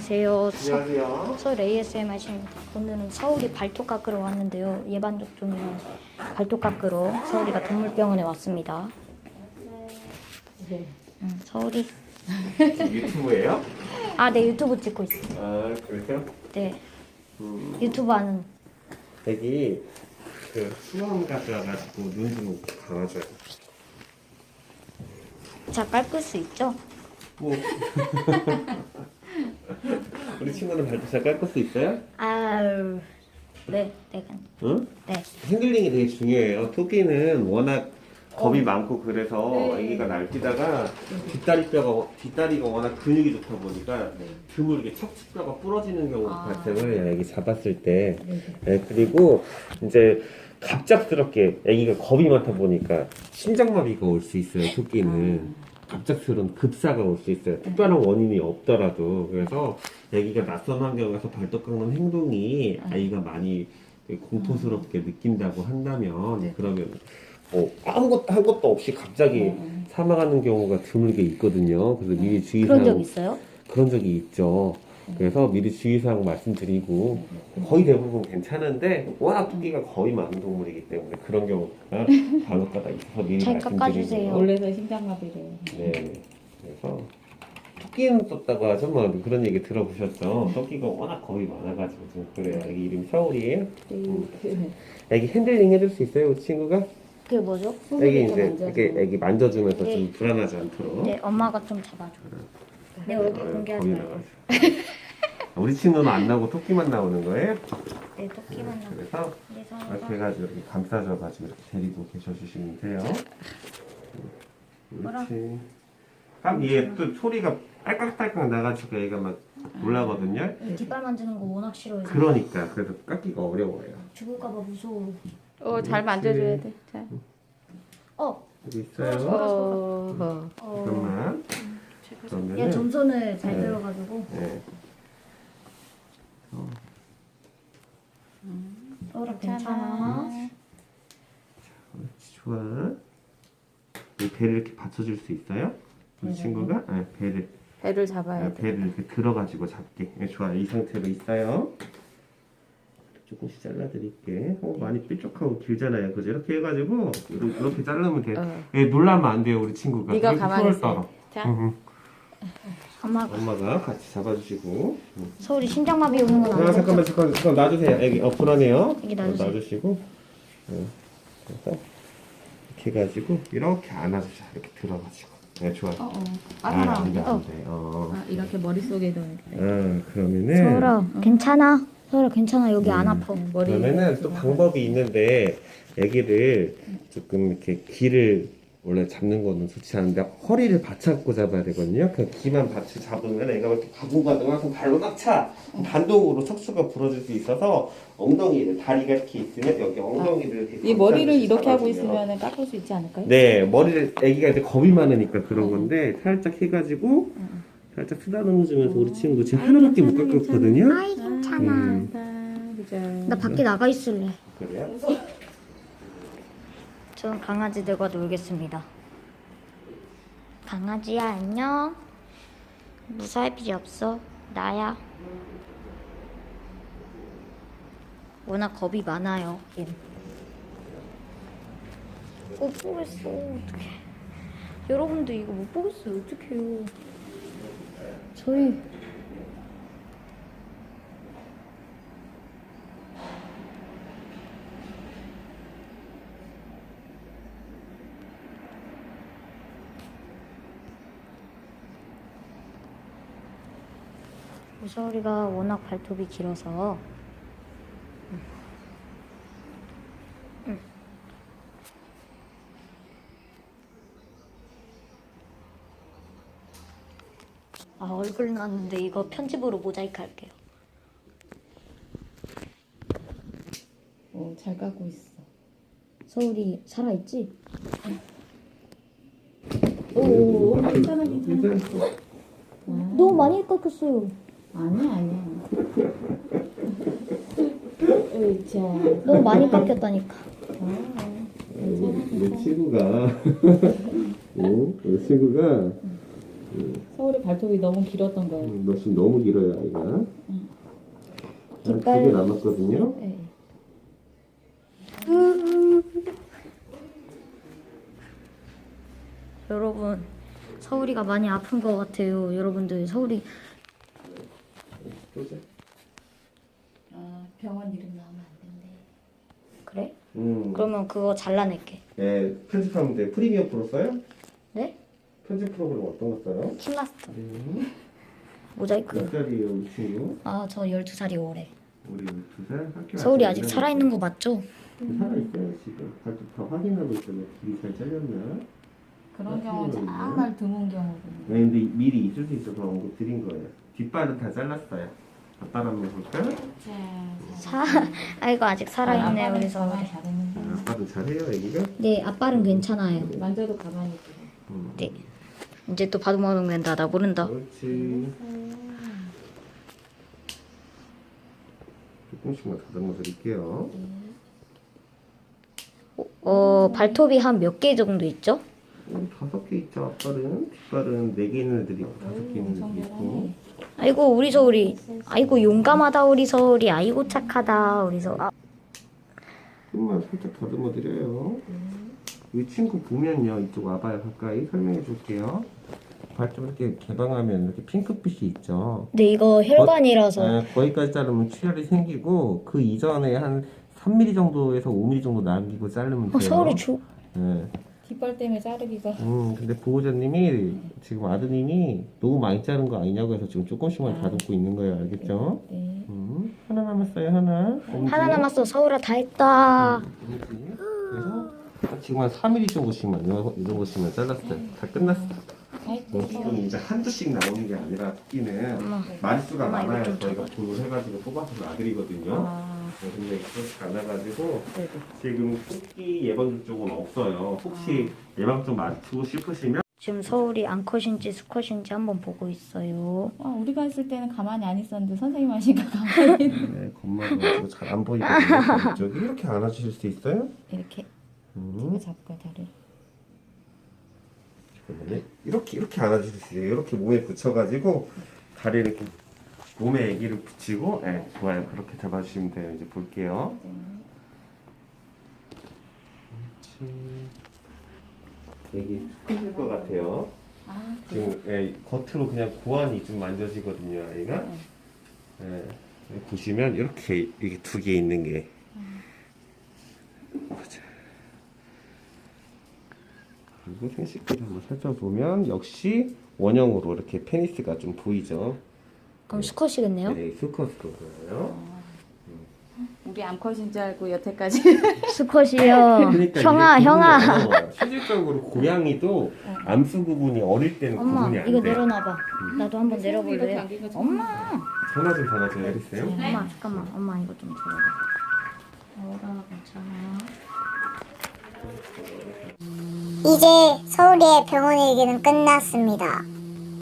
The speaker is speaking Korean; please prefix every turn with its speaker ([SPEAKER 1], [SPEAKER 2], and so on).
[SPEAKER 1] 안녕하세요.
[SPEAKER 2] 안녕하세요.
[SPEAKER 1] 서울 ASMR입니다. 오늘은 서울이 발톱 깎으러 왔는데요. 예방접종이랑 발톱 깎으러 서울이가 동물병원에 왔습니다. 서울이.
[SPEAKER 2] 유튜브예요?
[SPEAKER 1] 아, 네, 유튜브 찍고 있어요.
[SPEAKER 2] 아, 그러세요?
[SPEAKER 1] 네. 유튜브 하는.
[SPEAKER 2] 여기 그 수원 갔다 와가지고 눈 좀 감아줘요.
[SPEAKER 1] 자, 깎을 수 있죠?
[SPEAKER 2] 뭐 우리 친구는 발톱 잘 깎을 수 있어요?
[SPEAKER 1] 아유. 네, 네.
[SPEAKER 2] 응?
[SPEAKER 1] 네.
[SPEAKER 2] 핸들링이 되게 중요해요. 토끼는 워낙 겁이 많고 그래서 아기가 날뛰다가 뒷다리가 워낙 근육이 좋다 보니까 드물게 척추뼈가 부러지는 경우가 발생을 해요. 아기 잡았을 때. 네, 그리고 이제 갑작스럽게 아기가 겁이 많다 보니까 심장마비가 올 수 있어요. 토끼는. 갑작스러운 급사가 올 수 있어요. 특별한 원인이 없더라도. 그래서 아기가 낯선 환경에서 발톱 깎는 행동이 아이가 많이 공포스럽게 느낀다고 한다면 그러면 뭐 아무것도 한 것도 없이 갑자기 사망하는 경우가 드물게 있거든요. 그래서 미리 주의사항
[SPEAKER 1] 그런 적 있어요?
[SPEAKER 2] 그런 적이 있죠. 그래서 미리 주의사항 말씀드리고 거의 대부분 괜찮은데 워낙 토끼가 겁이 많은 동물이기 때문에 그런 경우가 간혹가다 있어서 미리
[SPEAKER 1] 잘
[SPEAKER 2] 말씀드리고
[SPEAKER 1] 깎아주세요.
[SPEAKER 3] 원래서 심장마비래요.
[SPEAKER 2] 네. 그래서 토끼는 썼다고 하죠. 뭐 그런 얘기 들어보셨죠? 토끼가 워낙 겁이 많아가지고 좀 그래요. 애기 이름이 서울이에요. 애기 핸들링 해줄 수 있어요, 우리 친구가?
[SPEAKER 1] 그게 뭐죠?
[SPEAKER 2] 애기 이제 이렇게 애기 만져주면서 좀 불안하지 않도록.
[SPEAKER 1] 네, 엄마가 좀 잡아줘. 내 얼굴 공개하지
[SPEAKER 2] 겁이
[SPEAKER 1] 말고.
[SPEAKER 2] 나가지고. 우리 친구는 안 나오고 토끼만 나오는 거예요?
[SPEAKER 1] 네, 토끼만 나고.
[SPEAKER 2] 그래서
[SPEAKER 1] 그래서
[SPEAKER 2] 이렇게 해가지고 이렇게 감싸줘가지고 이렇게 데리고 계셔주시면 돼요. 그렇지. 그럼 얘 또 소리가 딸깍딸깍 나가지고 얘가 막 놀라거든요.
[SPEAKER 1] 뒷발 만지는 거 워낙 싫어해서.
[SPEAKER 2] 그러니까 그래서 깎기가 어려워요.
[SPEAKER 1] 죽을까봐 무서워.
[SPEAKER 3] 잘 만져줘야 돼. 자.
[SPEAKER 2] 여기 있어요. 잠깐만.
[SPEAKER 1] 얘
[SPEAKER 2] 그러면은
[SPEAKER 1] 점선을 잘
[SPEAKER 2] 네.
[SPEAKER 1] 들어가지고.
[SPEAKER 2] 네.
[SPEAKER 1] 괜찮아.
[SPEAKER 2] 그렇지, 좋아. 이 배를 이렇게 받쳐줄 수 있어요? 우리 친구가? 네, 배를.
[SPEAKER 3] 배를 잡아야 돼.
[SPEAKER 2] 배를 이렇게 들어가지고 잡게. 네, 좋아. 이 상태로 있어요. 조금씩 잘라드릴게. 많이 뾰족하고 길잖아요. 그죠? 이렇게 해가지고 이렇게 자르면 돼. 예, 놀라면 안 돼요, 우리 친구가.
[SPEAKER 3] 네가
[SPEAKER 2] 이렇게
[SPEAKER 3] 가만히
[SPEAKER 2] 손을
[SPEAKER 3] 있어.
[SPEAKER 2] 떨어.
[SPEAKER 3] 자.
[SPEAKER 1] 엄마가
[SPEAKER 2] 같이 잡아주시고.
[SPEAKER 1] 서울이 심장마비 오는 건 아니죠?
[SPEAKER 2] 잠깐 놔주세요. 애기 불안해요.
[SPEAKER 1] 애기 놔주세요.
[SPEAKER 2] 놔주시고. 그래서 이렇게 해가지고 이렇게 안아주자. 이렇게 들어가지고. 네, 좋아요. 안 돼, 안 돼.
[SPEAKER 3] 이렇게 머릿속에 넣어야 돼.
[SPEAKER 2] 그러면은.
[SPEAKER 1] 서울아, 괜찮아. 서울아, 괜찮아. 여기 안 아파.
[SPEAKER 2] 그러면은 또 방법이 있는데 애기를 조금 이렇게 귀를 원래 잡는 거는 좋지 않은데 허리를 받쳐갖고 잡아야 되거든요. 그 귀만 받쳐 잡으면 애가 이렇게 가둥가둥 발로 딱 차. 반동으로 척추가 부러질 수 있어서 엉덩이를 다리가 이렇게 있으면 여기 엉덩이를 이렇게
[SPEAKER 3] 이 머리를
[SPEAKER 2] 감싸주시
[SPEAKER 3] 이렇게 하고
[SPEAKER 2] 잡아주면.
[SPEAKER 3] 있으면 깎을 수 있지 않을까요?
[SPEAKER 2] 네, 머리를 애기가 이제 겁이 많으니까 그런 건데 살짝 해가지고 살짝 쓰다듬어주면서 우리 친구 지금 하나밖에 못 깎았거든요.
[SPEAKER 1] 아이, 괜찮아.
[SPEAKER 3] 그죠.
[SPEAKER 1] 나 밖에 나가 있을래.
[SPEAKER 2] 그래요?
[SPEAKER 1] 저는 강아지들과 놀겠습니다. 강아지야, 안녕. 무서워할 필요 없어. 나야. 워낙 겁이 많아요. 얘는. 못 보겠어. 어떡해. 여러분도 이거 못 보겠어요. 어떡해요. 저희 우서리가 워낙 발톱이 길어서 얼굴 나왔는데 이거 편집으로 모자이크 할게요.
[SPEAKER 3] 잘 깎고 있어.
[SPEAKER 1] 서울이 살아있지?
[SPEAKER 3] 괜찮아.
[SPEAKER 1] 너무 많이 깎였어요.
[SPEAKER 3] 아니야. 자.
[SPEAKER 1] 너무 많이 깎였다니까.
[SPEAKER 2] 우리 친구가 우리 친구가
[SPEAKER 3] 서울의 발톱이 너무 길었던 거예요.
[SPEAKER 2] 너 지금 너무 길어요, 아이가. 한 두
[SPEAKER 1] 뒷발-
[SPEAKER 2] 개 남았거든요.
[SPEAKER 3] 네.
[SPEAKER 1] 여러분, 서울이가 많이 아픈 것 같아요. 여러분들, 서울이
[SPEAKER 2] 보자.
[SPEAKER 3] 병원 이름 나오면 안 된대.
[SPEAKER 1] 그래?
[SPEAKER 2] 그러면
[SPEAKER 1] 그거 잘라낼게.
[SPEAKER 2] 네, 편집하면 돼. 프리미엄 프로 써요?
[SPEAKER 1] 네?
[SPEAKER 2] 편집 프로그램 어떤 거 써요?
[SPEAKER 1] 킹마스터.
[SPEAKER 2] 몇
[SPEAKER 1] 모자이크.
[SPEAKER 2] 살이에요, 우리 친구?
[SPEAKER 1] 아, 저 12살이 올해.
[SPEAKER 2] 우리 12살? 학교
[SPEAKER 1] 서울이
[SPEAKER 2] 아직
[SPEAKER 1] 아직
[SPEAKER 2] 안
[SPEAKER 1] 살아있는 거 맞죠?
[SPEAKER 2] 살아있어요, 지금. 발톱 다 확인하고 있어요. 길이 잘 잘렸나?
[SPEAKER 3] 그런 경우는 정말 드문 경우거든요.
[SPEAKER 2] 네, 근데 미리 있을 수 있어서 언급 드린 거예요. 뒷발은 다 잘랐어요. 아빠랑 한번 볼까?
[SPEAKER 1] 아이고, 아직 살아있네,
[SPEAKER 3] 아빠는
[SPEAKER 1] 우리 서울이.
[SPEAKER 3] 가만히 잘했는데.
[SPEAKER 2] 아빠도 잘해요, 애기가?
[SPEAKER 1] 네, 아빠는 괜찮아요.
[SPEAKER 3] 만져도 가만히 있고.
[SPEAKER 1] 네. 이제 또 바둑마둥 된다. 나 모른다.
[SPEAKER 2] 그렇지. 조금씩만 다듬어 드릴게요.
[SPEAKER 1] 발톱이 한 몇 개 정도 있죠?
[SPEAKER 2] 5개 있죠, 아빠는. 뒷발은 4개 있는 애들이 있고 5개 있는 애들이 있고.
[SPEAKER 1] 아이고, 우리 서울이. 아이고, 용감하다, 우리 서울이. 아이고, 착하다, 우리 서울. 아,
[SPEAKER 2] 조금만 살짝 다듬어 드려요. 이 친구 보면요, 이쪽 와봐요. 가까이 설명해 줄게요. 발톱 이렇게 개방하면 이렇게 핑크빛이 있죠.
[SPEAKER 1] 근데 이거 혈관이라서.
[SPEAKER 2] 거기까지 자르면 출혈이 생기고 그 이전에 한 3mm 정도에서 5mm 정도 남기고 자르면 돼요.
[SPEAKER 1] 서울이
[SPEAKER 2] 네.
[SPEAKER 3] 뒷발 때문에 자르기가.
[SPEAKER 2] 근데 보호자님이 지금 아드님이 너무 많이 자른 거 아니냐고 해서 지금 조금씩만 다듬고 있는 거예요. 알겠죠?
[SPEAKER 3] 네.
[SPEAKER 2] 하나 남았어요. 하나.
[SPEAKER 1] 하나 남았어. 서울아, 다 했다.
[SPEAKER 2] 그래서 지금 한 3mm 정도씩만 이 정도씩만 잘랐어요. 다 끝났어. 지금 이제 한두씩 나오는 게 아니라 토끼는 마리수가
[SPEAKER 1] 엄마, 이거
[SPEAKER 2] 많아야
[SPEAKER 1] 좀
[SPEAKER 2] 저희가 돈을 해가지고 뽑아서 놔드리거든요. 근데 그렇지 않아가지고 지금 토끼 예방주 쪽은 없어요. 혹시 예방 좀 맞추고 싶으시면
[SPEAKER 1] 지금 서울이 암컷인지 수컷인지 한번 보고 있어요.
[SPEAKER 3] 우리가 했을 때는 가만히 안 있었는데 선생님 하시니까 가만히.
[SPEAKER 2] 네, 겁마가지고 잘 안 보이거든요. 이쪽이 이렇게 안아주실 수 있어요?
[SPEAKER 3] 이렇게 잡고 다리.
[SPEAKER 2] 잠깐만요. 이렇게 안아주실 수 있어요. 이렇게 몸에 붙여가지고 다리를 이렇게 몸에 애기를 붙이고, 네, 좋아요. 그렇게 잡아주시면 돼요. 이제 볼게요. 애기 힘들 것 같아요. 지금 겉으로 그냥 고환이 좀 만져지거든요, 아이가. 보시면 이렇게 2개 있는 게. 보자. 그리고 생식기를 한번 살펴보면 역시 원형으로 이렇게 페니스가 좀 보이죠.
[SPEAKER 1] 그럼 수컷이겠네요?
[SPEAKER 2] 네, 수컷으로 보여요.
[SPEAKER 3] 우리 암컷인 줄 알고 여태까지.
[SPEAKER 1] 수컷이요.
[SPEAKER 2] 그러니까
[SPEAKER 1] 형아,
[SPEAKER 2] 이게
[SPEAKER 1] 형아.
[SPEAKER 2] 구분이에요. 실질적으로 고양이도 암수 구분이 어릴 때는
[SPEAKER 1] 엄마,
[SPEAKER 2] 구분이 안
[SPEAKER 1] 이거
[SPEAKER 2] 돼.
[SPEAKER 1] 내려놔봐. 나도 한번 내려볼래요? 엄마!
[SPEAKER 2] 전화 좀 받아줘요, 해주세요.
[SPEAKER 1] 엄마, 잠깐만. 엄마, 이거 좀 들어봐. 어라, 괜찮아.
[SPEAKER 4] 이제 서울의 병원 얘기는 끝났습니다.